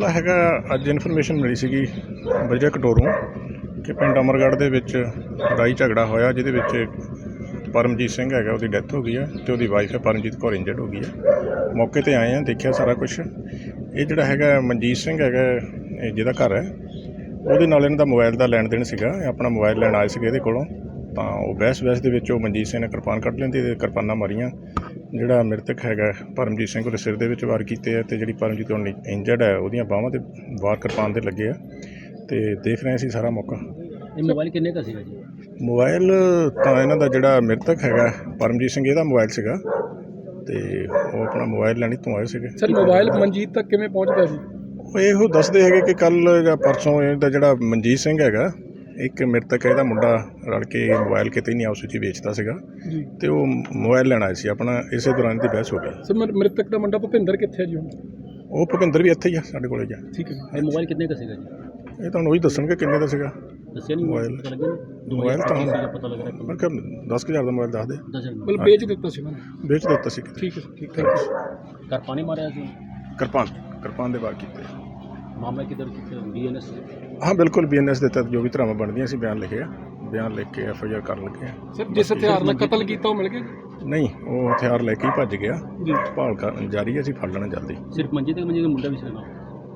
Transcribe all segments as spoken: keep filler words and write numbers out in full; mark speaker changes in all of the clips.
Speaker 1: ਮਾਮਲਾ ਹੈਗਾ, ਅੱਜ ਇਨਫੋਰਮੇਸ਼ਨ ਮਿਲੀ ਸੀਗੀ ਵਜਰਾ ਕਟੋਰੋਂ ਕਿ ਪਿੰਡ ਅਮਰਗੜ੍ਹ ਦੇ ਵਿੱਚ ਲੜਾਈ ਝਗੜਾ ਹੋਇਆ, ਜਿਹਦੇ ਵਿੱਚ ਪਰਮਜੀਤ ਸਿੰਘ ਹੈਗਾ, ਉਹਦੀ ਡੈਥ ਹੋ ਗਈ ਹੈ ਅਤੇ ਉਹਦੀ ਵਾਈਫ ਹੈ ਪਰਮਜੀਤ ਕੌਰ ਇੰਜਰਡ ਹੋ ਗਈ ਹੈ। ਮੌਕੇ 'ਤੇ ਆਏ ਹਾਂ, ਦੇਖਿਆ ਸਾਰਾ ਕੁਛ। ਇਹ ਜਿਹੜਾ ਹੈਗਾ ਮਨਜੀਤ ਸਿੰਘ ਹੈਗਾ, ਇਹ ਜਿਹਦਾ ਘਰ ਹੈ, ਉਹਦੇ ਨਾਲ ਇਹਨਾਂ ਦਾ ਮੋਬਾਈਲ ਦਾ ਲੈਣ ਦੇਣ ਸੀਗਾ। ਆਪਣਾ ਮੋਬਾਈਲ ਲੈਣ ਆਏ ਸੀਗੇ ਇਹਦੇ ਕੋਲੋਂ, ਤਾਂ ਉਹ ਬਹਿਸ ਬਹਿਸ ਦੇ ਵਿੱਚ ਉਹ ਮਨਜੀਤ ਸਿੰਘ ਨੇ ਕਿਰਪਾਨ ਕੱਢ ਲੈਂਦੀ ਅਤੇ ਕਿਰਪਾਨਾਂ ਮਾਰੀਆਂ। ਜਿਹੜਾ ਮ੍ਰਿਤਕ ਹੈਗਾ ਪਰਮਜੀਤ ਸਿੰਘ, ਉਹਦੇ ਸਿਰ ਦੇ ਵਿੱਚ ਵਾਰ ਕੀਤੇ ਆ, ਅਤੇ ਜਿਹੜੀ ਪਰਮਜੀਤ ਹੁਣ ਇੰਜਰਡ ਹੈ, ਉਹਦੀਆਂ ਬਾਹਾਂ 'ਤੇ ਵਾਰ ਕਿਰਪਾਨ ਦੇ ਲੱਗੇ ਆ। ਅਤੇ ਦੇਖ ਰਹੇ ਸੀ ਸਾਰਾ ਮੌਕਾ।
Speaker 2: ਇਹ ਮੋਬਾਈਲ ਕਿੰਨੇ ਦਾ ਸੀਗਾ ਜੀ?
Speaker 1: ਮੋਬਾਈਲ ਤਾਂ ਇਹਨਾਂ ਦਾ ਜਿਹੜਾ ਮ੍ਰਿਤਕ ਹੈਗਾ ਪਰਮਜੀਤ ਸਿੰਘ, ਇਹਦਾ ਮੋਬਾਈਲ ਸੀਗਾ, ਅਤੇ ਉਹ ਆਪਣਾ ਮੋਬਾਈਲ ਲੈਣ ਤੋਂ ਆਏ ਸੀਗੇ।
Speaker 3: ਸਰ, ਮੋਬਾਈਲ ਮਨਜੀਤ ਤੱਕ ਕਿਵੇਂ ਪਹੁੰਚਦਾ ਸੀ?
Speaker 1: ਉਹ ਇਹੋ ਦੱਸਦੇ ਹੈਗੇ ਕਿ ਕੱਲ੍ਹ ਜਾਂ ਪਰਸੋਂ ਇਹਦਾ ਜਿਹੜਾ ਮਨਜੀਤ ਸਿੰਘ ਹੈਗਾ, ਇੱਕ ਮ੍ਰਿਤਕ ਇਹਦਾ ਮੁੰਡਾ ਰਲ ਕੇ ਮੋਬਾਈਲ ਕਿਤੇ ਨਹੀਂ ਆਪਸ ਵਿੱਚ ਵੇਚਦਾ ਸੀਗਾ, ਅਤੇ ਉਹ ਮੋਬਾਈਲ ਲੈਣ ਆਏ ਸੀ ਆਪਣਾ। ਇਸੇ ਦੌਰਾਨ ਦੀ ਬਹਿਸ ਹੋ ਗਈ।
Speaker 3: ਸਰ, ਮ੍ਰਿਤਕ ਦਾ ਮੁੰਡਾ ਭੁਪਿੰਦਰ ਕਿੱਥੇ ਜੀ?
Speaker 1: ਉਹ ਭੁਪਿੰਦਰ ਵੀ ਇੱਥੇ ਹੀ ਆ, ਸਾਡੇ ਕੋਲ ਹੀ ਆ।
Speaker 3: ਠੀਕ ਹੈ।
Speaker 2: ਇਹ ਮੋਬਾਈਲ ਕਿੰਨੇ ਦਾ ਸੀਗਾ ਜੀ?
Speaker 1: ਇਹ ਤੁਹਾਨੂੰ ਉਹੀ ਦੱਸਣਗੇ ਕਿੰਨੇ ਦਾ ਸੀਗਾ
Speaker 2: ਦੱਸਿਆ ਨਹੀਂ
Speaker 1: ਮੋਬਾਈਲ।
Speaker 2: ਪਤਾ ਲੱਗਿਆ
Speaker 1: ਮੋਬਾਈਲ ਤਾਂ ਹੁਣ
Speaker 2: ਪਤਾ ਲੱਗ ਰਿਹਾ
Speaker 1: ਮੈਂ ਕਿਹਾ ਦਸ ਕੁ ਹਜ਼ਾਰ ਦਾ ਮੋਬਾਈਲ ਦੱਸ ਦੇ।
Speaker 3: ਮਤਲਬ ਵੇਚ ਦਿੱਤਾ ਸੀ ਉਹਨਾਂ ਨੇ?
Speaker 1: ਵੇਚ ਦਿੱਤਾ ਸੀ।
Speaker 3: ਠੀਕ ਹੈ, ਠੀਕ ਹੈ।
Speaker 2: ਘਰ ਪਾਣੀ ਮਾਰਿਆ ਸੀ?
Speaker 1: ਕਿਰਪਾਨ ਕਿਰਪਾਨ ਦੇ ਵਾਰ ਕੀਤੇ।
Speaker 2: ਮਾਮਲਾ ਕਿਧਰ ਕਿੱਥੇ? B N S?
Speaker 1: ਹਾਂ ਬਿਲਕੁਲ, ਬੀ ਐਨ ਐਸ ਦੇ ਤਹਿਤ ਜੋ ਵੀ ਧਾਰਾਵਾਂ ਬਣਦੀਆਂ ਸੀ ਬਿਆਨ ਲਿਖੇ ਆ, ਬਿਆਨ ਲਿਖ ਕੇ ਐਫ ਆਈ ਆਰ ਕਰਨ ਲੱਗੇ ਆ।
Speaker 3: ਸਰ, ਜਿਸ ਹਥਿਆਰ ਨਾਲ ਕਤਲ ਕੀਤਾ ਉਹ ਮਿਲ ਗਿਆ?
Speaker 1: ਨਹੀਂ, ਉਹ ਹਥਿਆਰ ਲੈ ਕੇ ਹੀ ਭੱਜ ਗਿਆ ਜੀ। ਭਾਲ ਕਰ ਜਾਰੀ ਹੈ, ਅਸੀਂ ਫੜ ਲੈਣਾ ਜਲਦੀ।
Speaker 2: ਸਿਰਫ ਮਨਜੀਤ ਦੇ ਮਨਜੀਤ ਦਾ ਮੁੰਡਾ ਵੀ ਸੀ ਨਾਲ?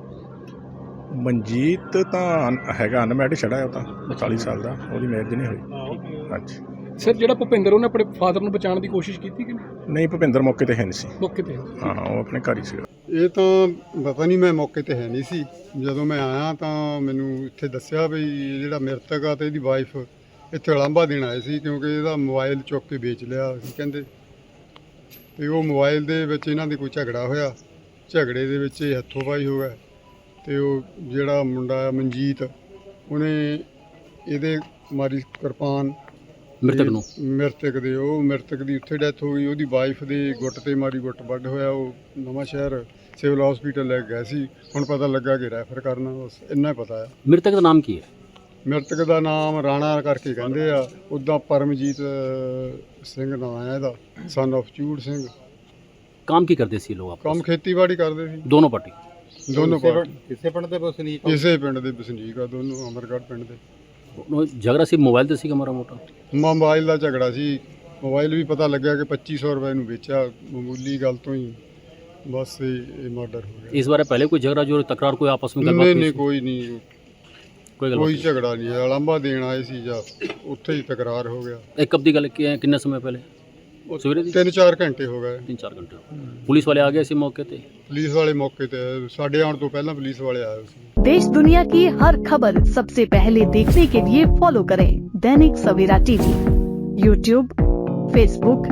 Speaker 1: ਮਨਜੀਤ ਤਾਂ ਅਨ- ਹੈਗਾ ਅਨਮੈਰਿਡ ਛੜਾ ਹੈ, ਉਹ ਤਾਂ ਚਾਲੀ ਸਾਲ ਦਾ, ਉਹਦੀ ਮੈਰਿਜ ਨਹੀਂ ਹੋਈ। ਹਾਂਜੀ।
Speaker 3: ਸਰ, ਜਿਹੜਾ ਭੁਪਿੰਦਰ, ਉਹਨੇ ਆਪਣੇ ਫਾਦਰ ਨੂੰ ਬਚਾਉਣ ਦੀ ਕੋਸ਼ਿਸ਼ ਕੀਤੀ ਕਿ ਨਹੀਂ?
Speaker 1: ਨਹੀਂ, ਭੁਪਿੰਦਰ ਮੌਕੇ 'ਤੇ ਹੈ ਨਹੀਂ ਸੀ।
Speaker 3: ਮੌਕੇ ਤੇ?
Speaker 1: ਹਾਂ, ਉਹ ਆਪਣੇ ਘਰ ਹੀ ਸੀਗਾ।
Speaker 4: ਇਹ ਤਾਂ ਪਤਾ ਨਹੀਂ, ਮੈਂ ਮੌਕੇ 'ਤੇ ਹੈ ਨਹੀਂ ਸੀ। ਜਦੋਂ ਮੈਂ ਆਇਆ ਤਾਂ ਮੈਨੂੰ ਇੱਥੇ ਦੱਸਿਆ ਵੀ ਜਿਹੜਾ ਮ੍ਰਿਤਕ ਆ ਅਤੇ ਇਹਦੀ ਵਾਈਫ ਇੱਥੇ ਉਲਾਂਭਾ ਦੇਣ ਆਏ ਸੀ, ਕਿਉਂਕਿ ਇਹਦਾ ਮੋਬਾਈਲ ਚੁੱਕ ਕੇ ਵੇਚ ਲਿਆ ਸੀ ਕਹਿੰਦੇ। ਅਤੇ ਉਹ ਮੋਬਾਈਲ ਦੇ ਵਿੱਚ ਇਹਨਾਂ ਦੇ ਕੋਈ ਝਗੜਾ ਹੋਇਆ, ਝਗੜੇ ਦੇ ਵਿੱਚ ਇਹ ਹੱਥੋਂ ਪਾਈ ਹੋ ਗਿਆ। ਅਤੇ ਉਹ ਜਿਹੜਾ ਮੁੰਡਾ ਮਨਜੀਤ, ਉਹਨੇ ਇਹਦੇ ਮਾਰੀ ਕਿਰਪਾਨ
Speaker 2: ਮ੍ਰਿਤਕ ਨੂੰ,
Speaker 4: ਮ੍ਰਿਤਕ ਦੇ ਉਹ ਮ੍ਰਿਤਕ ਦੀ ਉੱਥੇ ਡੈਥ ਹੋ ਗਈ। ਉਹਦੀ ਵਾਈਫ ਦੇ ਗੁੱਟ 'ਤੇ ਮਾਰੀ, ਗੁੱਟ ਵੱਢ ਹੋਇਆ। ਉਹ ਨਵਾਂ ਸ਼ਹਿਰ ਸਿਵਲ ਹਸਪੀਟਲ ਲੈ ਕੇ ਗਏ ਸੀ। ਹੁਣ ਪਤਾ ਲੱਗਾ ਕਿ ਰੈਫਰ ਕਰਨਾ, ਬਸ ਇੰਨਾ ਹੀ ਪਤਾ ਹੈ।
Speaker 2: ਮ੍ਰਿਤਕ ਦਾ ਨਾਮ ਕੀ ਹੈ?
Speaker 4: ਮ੍ਰਿਤਕ ਦਾ ਨਾਮ ਰਾਣਾ ਕਰਕੇ ਕਹਿੰਦੇ ਆ, ਉੱਦਾਂ ਪਰਮਜੀਤ ਸਿੰਘ ਨਾਂ ਹੈ ਇਹਦਾ, ਸਨ ਆਫ ਚੂੜ ਸਿੰਘ।
Speaker 2: ਕੰਮ ਕੀ ਕਰਦੇ ਸੀ ਲੋਕ?
Speaker 4: ਕੰਮ ਖੇਤੀਬਾੜੀ ਕਰਦੇ ਸੀ
Speaker 2: ਦੋਨੋਂ ਪਾਰਟੀ?
Speaker 4: ਦੋਨੋਂ ਪਾਰਟੀ
Speaker 5: ਕਿਸੇ ਪਿੰਡ ਦੇ ਵਸਨੀਕ?
Speaker 4: ਇਸੇ ਪਿੰਡ ਦੇ ਵਸਨੀਕ ਆ ਦੋਨੋਂ, ਅਮਰਗੜ੍ਹ ਪਿੰਡ ਦੇ।
Speaker 2: ਝਗੜਾ ਸੀ ਮੋਬਾਈਲ ਤੇ ਸੀਗਾ ਮਾੜਾ ਮੋਟਾ?
Speaker 4: ਮੋਬਾਈਲ ਦਾ ਝਗੜਾ ਸੀ। ਮੋਬਾਈਲ ਵੀ ਪਤਾ ਲੱਗਿਆ ਕਿ ਪੱਚੀ ਸੌ ਰੁਪਏ ਨੂੰ ਵੇਚਿਆ, ਮਾਮੂਲੀ ਗੱਲ ਤੋਂ ਹੀ ਬਸ ਇਹ ਮਰਡਰ ਹੋ ਗਿਆ।
Speaker 2: इस बार पहले कोई झगड़ा जो तकरार कोई आपस में
Speaker 4: ਨਹੀਂ
Speaker 2: गलबात
Speaker 4: ਨਹੀਂ
Speaker 2: हुई?
Speaker 4: ਕੋਈ ਨਹੀਂ,
Speaker 2: कोई गलबात
Speaker 4: ਕੋਈ
Speaker 2: नहीं?
Speaker 4: ਝਗੜਾ ਨਹੀਂ ਹੈ। ਉਲਾਂਭਾ ਦੇਣ ਆਏ ਸੀ ਜਾਂ ਉੱਥੇ ਹੀ ਤਕਰਾਰ ਹੋ ਗਿਆ।
Speaker 2: एक कब दी गल की है? किन्ने समय पहले? सवेरे दी?
Speaker 4: ਤਿੰਨ ਚਾਰ ਘੰਟੇ ਹੋ ਗਏ।
Speaker 2: तीन चार घंटे पुलिस वाले आ गए इसी मौके पे?
Speaker 4: ਪੁਲਿਸ ਵਾਲੇ ਮੌਕੇ ਤੇ ਆਏ, ਸਾਡੇ ਆਉਣ ਤੋਂ ਪਹਿਲਾਂ ਪੁਲਿਸ ਵਾਲੇ ਆਏ ਸੀ।
Speaker 6: देश दुनिया की हर खबर सबसे पहले देखने के लिए फॉलो करें Dainik Savera TV, YouTube, Facebook,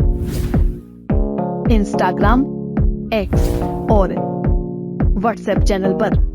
Speaker 6: Instagram, X और व्हाट्सएप चैनल पर।